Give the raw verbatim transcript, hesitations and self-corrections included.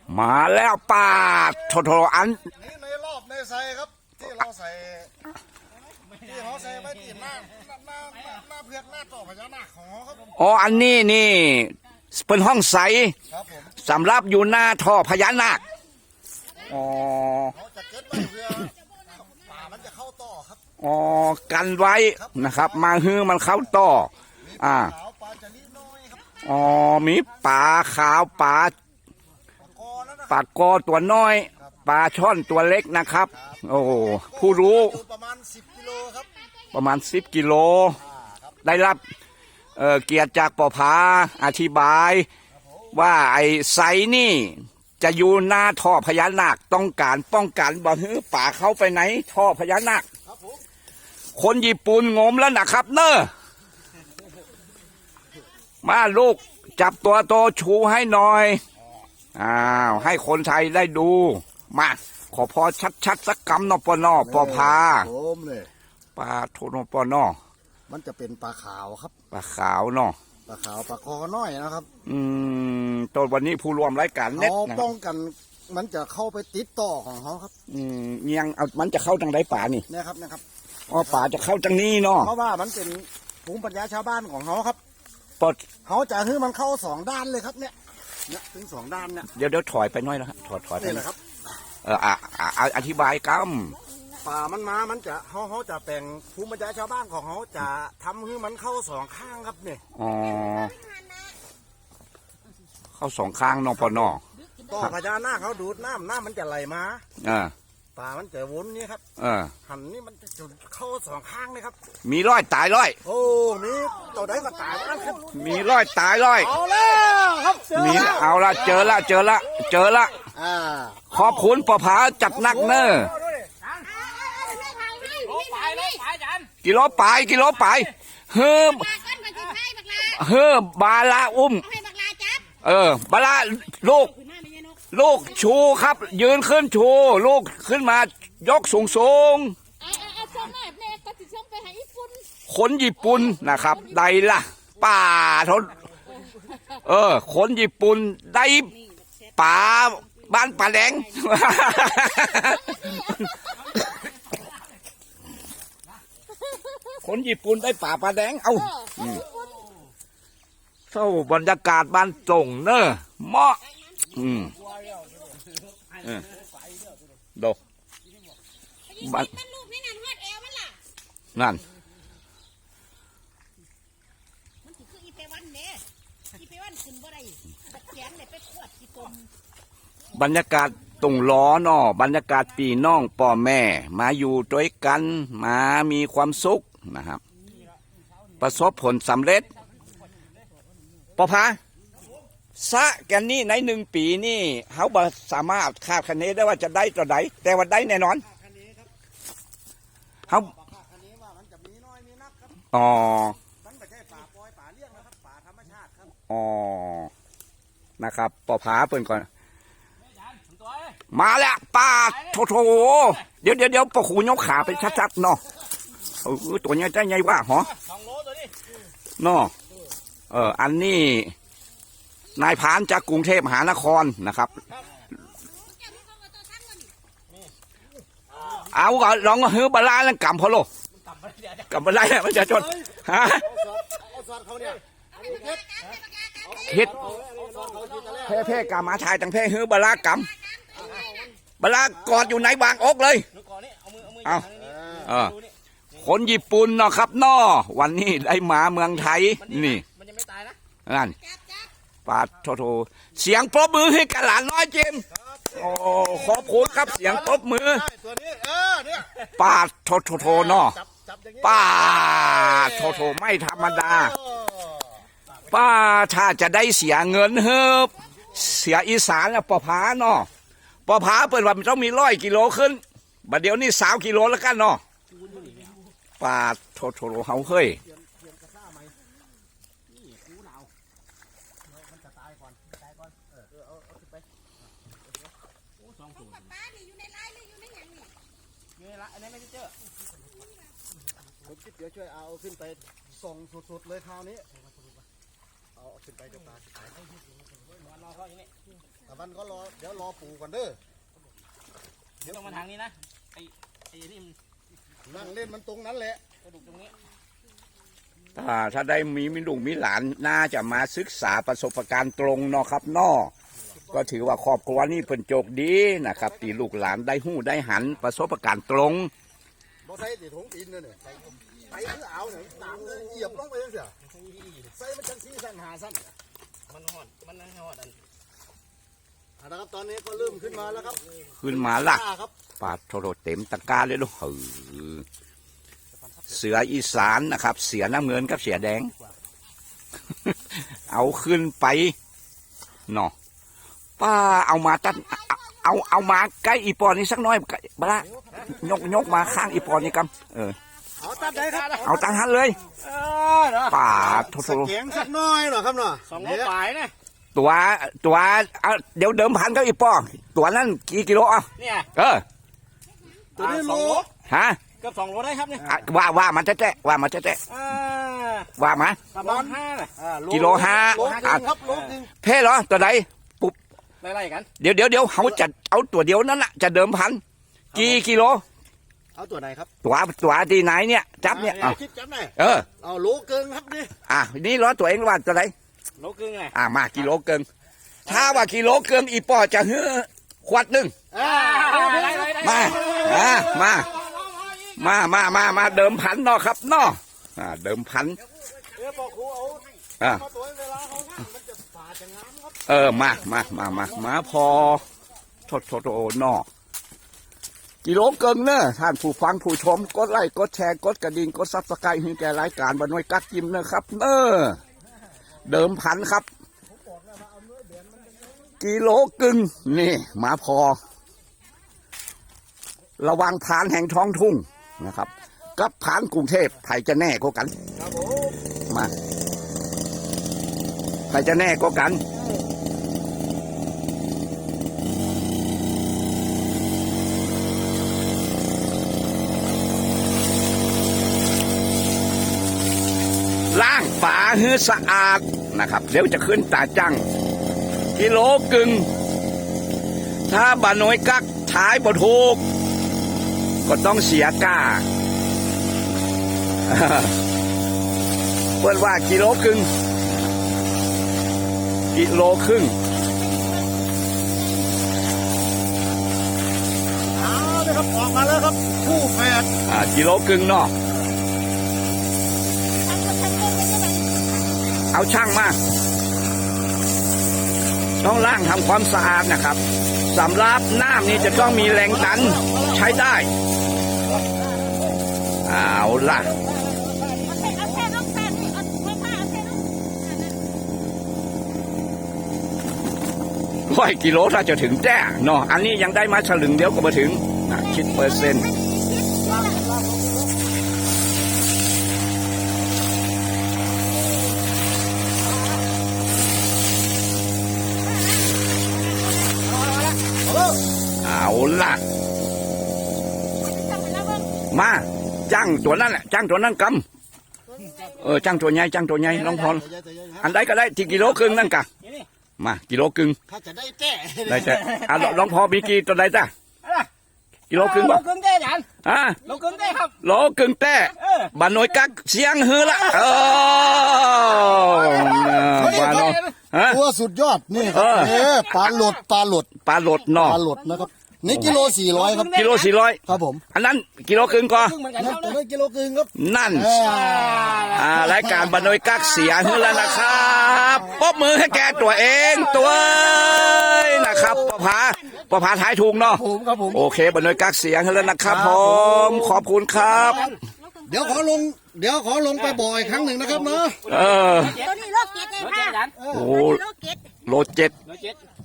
มาแล้วป้าโทโทอันนี่ในรอบในใส่ครับที่เราใส่ที่เขาใส่ไว้ที่หน้าหน้าหน้าเพือกหน้าต่อพญานาคของเขาครับอ๋ออันนี้นี่เป็นห้องใสครับผมสำหรับอยู่หน้าท่อพญานาคอ๋อเขาจะเก็บไว้เพื่อป่ามันจะเข้าต่อครับอ๋อกันไว้นะครับมาฮื้อมันเข้าต่ออ่าปลาจะนิดน้อยครับอ๋อมีปลาขาวปลาปลากอตัวน้อยปลาช่อนตัวเล็กนะครับโอ้ผู้รู้ประมาณสิบกิโลครับประมาณสิบกิโลได้รับเอ่อเกียรติจากปอพาอธิบายว่าไอ้ไซนี่จะอยู่หน้าท่อพญานาคต้องการป้องกันบ่ฮื้อป่าเข้าไปไหนท่อพญานาคคนญี่ปุ่นงมแล้วนะครับเนอะมาลูกจับตัวโตชูให้หน่อยอ้าวให้คนไทยได้ดูมาขอพอชัดๆสักคำนอปนอปอพาผมเลยปลาโทนปนอมันจะเป็นปลาขาวครับปลาขาวเนาะปลาขาวปลาคอน้อยนะครับอืมตอนวันนี้ผู้รวมรายการเน็ตนะป้องกันมันจะเข้าไปติดต่อของเขาครับอืมยังเอามันจะเข้าทางใดป่านี่นะครับนะครับอ๋อป่าจะเข้าทางนี้เนาะเพราะว่ามันเป็นภูมิปัญญาชาวบ้านของเขาครับปดเขาจะให้มันเข้าสองด้านเลยครับเนี่ยเนี่ยถึงสองด้านเนี่ยเดี๋ยวเดี๋ยวถอยไปน้อยแล้วครับถอยถอยไปนะครับเอออ่ะอธิบายกัมป่ามันมามันจะเขาเขาจะแปลงภูมิปัญญาชาวบ้านของเขาจะทำให้มันเข้าสองข้างครับเนี่ยอ๋อเข้าสองข้างนอปนอต่อพญานาคเขาดูดน้ำน้ำมันจะไหลมาอ่าป่ามันจะวนนี่ครับเออหันนี่มันจะจุดเข้าสองข้างเลยครับมีร้อยตายร้อยโอ้มีตัวไหนก็ตายนะครับมีร้อยตายร้อยเอาแล้วครับมีเอาละเจอละเจอละเจอละอ่าขอบคุณปอผาจัดนักเนอกิโลปลายกิโลปลายเฮิมเฮิมบาลาอุ้มเออบาลาลูกลูกชูครับยืนขึ้นชูลูกขึ้นมายกสูงสูงคนญี่ปุ่นนะครับได้ละป่าทนเออคนญี่ปุ่นได้ป่าบ้านป่าแดงคนญี่ปุ่นได้ป่าป่าแดงเอาเศร้าบรรยากาศบ้านจงเนอะเหมาะอืมดูบ้านนั่นบรรยากาศตรงล้อนอบรรยากาศปีน้องป่อแม่มาอยู่ด้วยกันมามีความสุขนะครับประสบผลสำเร็จปอพาสะแกนนี่ในหนึ่งปีนี่เขาบสามารถคาดคะเนได้ว่าจะได้ต่อใดแต่ว่าได้แน่นอนเขาอ๋ออ๋อนะครับปอผาเปิดก่อนมาแล้วป้าโถโถเดี๋ยวเดี๋ยวเดี๋ยวปะขูยกขาไปชัดๆเนาะเออตัวนี้ใจใหญ่ว่าหรอเนาะเอออันนี้นายพานจากกรุงเทพมหานครนะครับเอาก็ลองฮื้อบาลาแล้วกำพอโลกำบาลามันจะจนฮะฮิตเพ่เพ่กามาชายตั้งเพ่ฮื้อบาลากำบาลากอดอยู่ในบางอกเลยเอาเออคนญี่ปุ่นเนาะครับน้อวันนี้ได้มาเมืองไทยนี่นั่นปาโทโทเสียงปรบมือให้กับหลานน้อยเจมโอ้ขอบคุณครับเสียงปรบมือปาโทโทโทเนาะปาโทโทไม่ธรรมดาป้าถ้าจะได้เสียเงินเฮ้บเสียอีสานแล้วปอผาเนาะปอผาเปิดว่ามันต้องมีร้อยกิโลขึ้นบัดเดี๋ยวนี้สามกิโลแล้วกันเนาะปาโทโทโทเฮาเฮ้ยผมคิดเดี๋ยวช่วยเอาขึ้นไปส่งสุดๆเลยคราวนี้เอาขึ้นไปจะปลาขึ้นไปตะวันก็รอเดี๋ยวรอปูก่อนเด้อเดี๋ยวต้องมาทางนี้นะไอ้ไอ้นี่มันนั่งเล่นมันตรงนั้นแหละกระดูกตรงนี้ถ้าถ้าได้มีมิลูกมีหลานน่าจะมาศึกษาประสบการณ์ตรงเนาะครับเนอก็ถือว่าครอบครัวนี่เพิ่นโจกดีนะครับตีลูกหลานได้หู้ได้หันประสบการณ์ตรงบ่ใส่ติดถุงตีนเลยเนี่ยใส่ใส่คือเอาเนี่ยตามเลยเหยียบลงไปยังเสียใส่มันจังซี่สั้นหาสั้นมันหอดมันหอดอันอ่ะนะครับตอนนี้ก็เริ่มขึ้นมาแล้วครับขึ้นมาละป้าครับปาดโทรเต็มตะกร้าเลยลูกเออเสืออีสานนะครับ เสือน้ำเงินกับเสือแดง เอาขึ้นไปเนาะป้าเอามาตั้งเอาเอามาใกล้อีปอนนี่สักหน้อยบละยกยกมาข้างอีปอนนี่กำเออเอาตัดได้ครับเอาตั้งหันเลยเออเนาะป่าโทรสเกียงสักหน้อยหน่อยครับเนาะสองโลปลายนะตัวตัวเอาเดี๋ยวเดิมพันก็อีปอตัวนั้นกี่กิโลอ่ะเนี่ยเออตัวนี้สโลองโลฮะเกือบสองโลได้ครับเนี่ยอ่ะว่าว่ามันจะแจ๊ะว่ามันจะแจ๊ะอ่าว่ามาประมาณห้าน่ะอ่ากิโลห้าโลนึงครับโลนึงเพ่เหรอตัวใดไล่ๆกันเดี๋ยวเดี๋ยวเดี๋ยวเขาจะเอาตัวเดียวนั้นน่ะจะเดิมพันกี่กิโลเอาตัวไหนครับตัวตัวที่ไหนเนี่ยจับเนี่ยอ่าเอาคิดจับได้เออเอาโลเกินครับนี่อ่ะนี่ร้อตัวเองว่าตัวไหนโลครึ่งไงอ่ะมากิโลเกินถ้าว่ากิโลเกินอีปอจะเฮือขวดหนึ่งอ่ามาอ่ามามามามามาเดิมพันเนาะครับเนาะอ่าเดิมพันเออบอกครูเอาอ่ามาตัวเวลาเขานั่งมันจะป่าจะงามครับเออมามามามามาพอโทษโทษโอ้นอกิโลเกินเนอะท่านผู้ฟังผู้ชมกดไลค์กดแชร์กดกระดิ่งกดซับสไครต์ให้แก่รายการบรรยกักกิมนะครับเนอะเดิมพันครับกิโลกึ่งนี่มาพอ ระวังผ่านแห่งท้องทุ่งนะครับกับผ่านกรุงเทพไผ่จะแน่ก็กันครับผมมาไผ่จะแน่ก็กัน ล้างฝาให้สะอาดนะครับเดี๋ยวจะขึ้นตาจังกิโลกึ่งถ้าบาน้อยกักท้ายบ่ถูกก็ต้องเสียก้า เปิดว่ากิโลครึ่งกิโลครึ่งเอาเลยครับออกมาแล้วครับคู่แฝดอ่ากิโลครึ่งเนาะเอาช่างมาต้องล้างทำความสะอาดนะครับสำหรับน้ำนี่จะต้องมีแรงดันใช้ได้เอาล่ะร้อยกิโลถ้าจะถึงแจ้เนาะอันนี้ยังได้มาฉลึงเดียวก็มาถึงนะคิดเปอร์เซ็นต์เอาล่ะมาจ้างตัวนั้นแหละจ้างตัวนั้นกำเออจ้างตัวใหญ่จ้างตัวใหญ่ลองพออันใดก็ได้ที่กิโลครึ่งนั่นกะมากิโลครึ่งถ้าจะได้แจ้ได้แต่อ่ะลองพอมีกี่ตัวใดจ้ะกิโลครึ่งโลบ่ครึ่งได้ยันอ่ะโลครึ่งได้ครับโลครึ่งแต่บ้านน้อยกักเสียงฮือละเออบ้านน้อยฮะตัวสุดยอดนี่คเอรับอเออปลาหลดปลาหลดปลาโหลดปเนาะลาหลดนะครับนี่กิโลสี่ร้อยครับกิโลสี่ร้อยครับผมอันนั้นกิโลครึ่งก็ครึ่งเหมือนกันนั่นครับตัวนี้กิโลครึ่งครับนั่นเอออ่ารายการบ้านน้อยกักเสียฮือแล้วนะครับปรบมือให้แกตัวเองตัวเองนะครับประภาประภาท้ายถูกเนาะผมครับผมโอเคบ้านน้อยกักเสียฮือแล้วนะครับผมขอบคุณครับเดี๋ยวขอลง เดี๋ยวขอลงไปบ่อยครั้งหนึ่งนะครับเนาะเออตัวนี้โลเกตเลยโลค่ะเจ็ดยันโอ้โลเกตโลเจ็ดโลเจ็ด